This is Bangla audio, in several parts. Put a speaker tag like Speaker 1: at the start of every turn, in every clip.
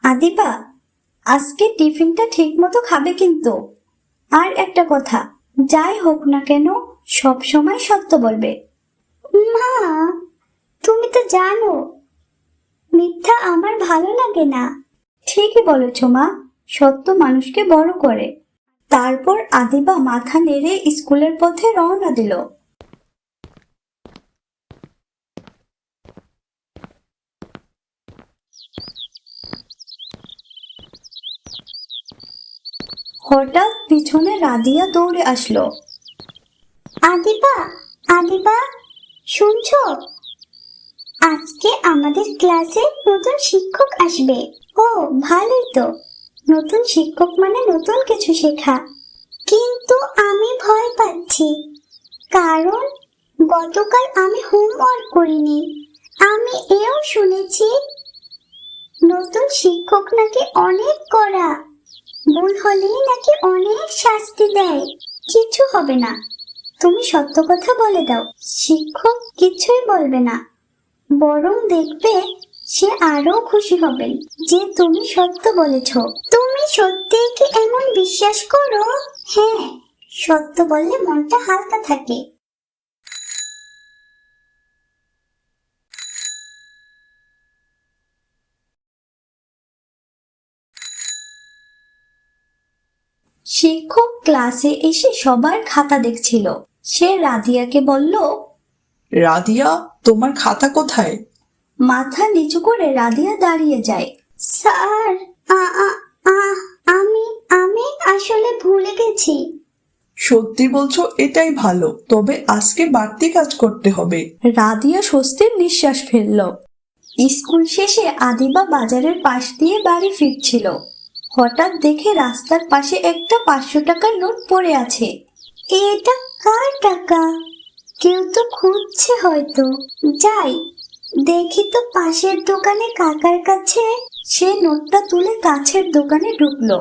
Speaker 1: আদিবা, আজকে টিফিনটা ঠিক মতো খাবে কিন্তু। আর একটা কথা, যাই হোক না কেন সব সময় সত্য বলবে। মা, তুমি তো জানো মিথ্যা আমার ভালো লাগে না। ঠিকই বলেছ মা, সত্য মানুষকে বড় করে। তারপর আদিবা মাথা নেড়ে স্কুলের পথে রওনা দিল। হঠাৎ পিছনে রাদিয়া দৌড়ে আসলো। আদিবা, আদিবা, শুনছো? আজকে আমাদের ক্লাসে নতুন শিক্ষক আসবে। ও, ভালোই তো। নতুন শিক্ষক মানে নতুন কিছু শেখা। কিন্তু আমি ভয় পাচ্ছি, কারণ গতকাল আমি হোমওয়ার্ক করিনি। আমি এও শুনেছি নতুন শিক্ষক নাকি অনেক কড়া, ভুল হলেই নাকি অনেক শাস্তি দেয়। কিছু হবে না, তুমি সত্য কথা বলে দাও, শিক্ষক কিছুই বলবে না। বরং দেখবে সে আরো খুশি হবেন যে তুমি সত্য বলেছ। তুমি সত্যি কি এমন বিশ্বাস করো? হ্যাঁ, সত্য বললে মনটা হালকা থাকে। শিক্ষক ক্লাসে এসে সবার খাতা দেখছিল। সে রাদিয়াকে বলল,
Speaker 2: রাদিয়া, তোমার খাতা কোথায়?
Speaker 1: মাথা নিচু করে রাদিয়া দাঁড়িয়ে যায়। স্যার, আ- আ- আ- আমি আমি আসলে ভুলে গেছি।
Speaker 2: সত্যি বলছো? এটাই ভালো, তবে আজকে বাড়তি কাজ করতে হবে।
Speaker 1: রাদিয়া স্বস্তির নিঃশ্বাস ফেলল। স্কুল শেষে আদিবা বাজারের পাশ দিয়ে বাড়ি ফিরছিল। হঠাৎ দেখে রাস্তার পাশে একটা 500 টাকার নোট পড়ে আছে। এটা কার টাকা? কেউ তো খুঁজছে হয়তো। যাই দেখি তো পাশের দোকানে কাকার কাছে। সে নোটটা তুলে কাছের দোকানে ঢুকলো।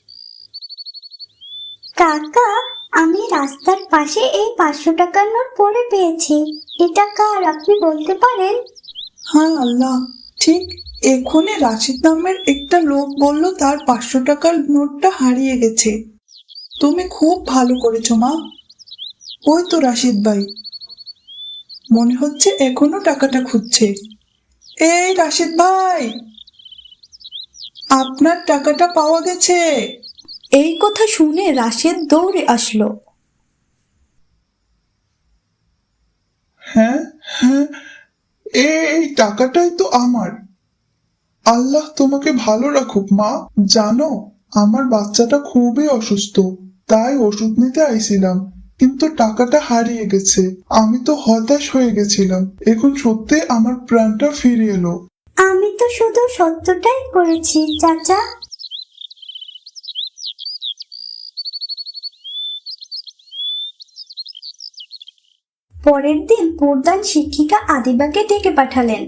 Speaker 1: কাকা, আমি রাস্তার পাশে এই 500 টাকার নোট পড়ে পেয়েছি। এটা কার, আপনি বলতে পারেন?
Speaker 2: হ্যাঁ আল্লাহ, ঠিক এক্ষুনি রাশিদ নামের একটা লোক বলল তার 500 টাকার নোটটা হারিয়ে গেছে। তুমি খুব ভালো করেছো মা। ওই তো রাশিদ ভাই, মনে হচ্ছে এখনো টাকাটা খুঁজছে। এই রাশিদ ভাই, আপনার টাকাটা পাওয়া গেছে।
Speaker 1: এই কথা শুনে রাশেদ দৌড়ে আসলো।
Speaker 3: হ্যাঁ, হ্যাঁ, এই টাকাটাই তো আমার। আল্লাহ তোমাকে ভালো রাখুক মা। জানো, আমার বাচ্চাটা খুবই অসুস্থ, তাই ওষুধ নিতে আইছিলাম, কিন্তু টাকাটা হারিয়ে গেছে। আমি তো হতাশ হয়ে গেছিলাম, এখন সত্যি আমার প্রাণটা ফিরে এলো।
Speaker 1: আমি তো শুধু সত্যটাই করেছি চাচা। পরের দিন প্রধান শিক্ষিকা আদিবাকে ডেকে পাঠালেন।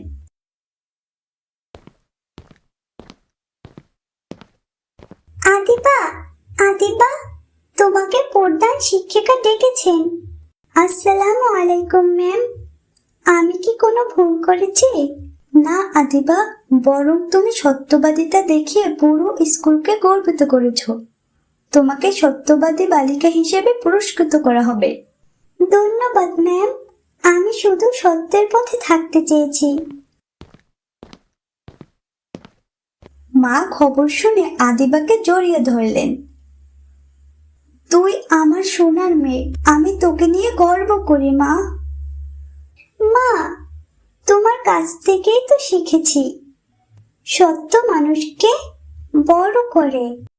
Speaker 1: আদিবা, আদিবা, তোমাকে প্রধান শিক্ষিকা ডেকেছেন। আসসালামু আলাইকুম ম্যাম। আমি কি কোনো ভুল করেছি? না আদিবা, বরং তুমি সত্যবাদিতা দেখিয়ে পুরো স্কুলকে গর্বিত করেছো। তোমাকে সত্যবাদী বালিকা হিসেবে পুরস্কৃত করা হবে। ধন্যবাদ ম্যাম, আমি শুধু সত্যের পথে থাকতে চেয়েছি। মা খবর শুনে আদিবাকে জড়িয়ে ধরলেন। তুই আমার সোনার মেয়ে, আমি তোকে নিয়ে গর্ব করি মা। মা, তোমার কাছ থেকেই তো শিখেছি, সত্য মানুষকে বড় করে।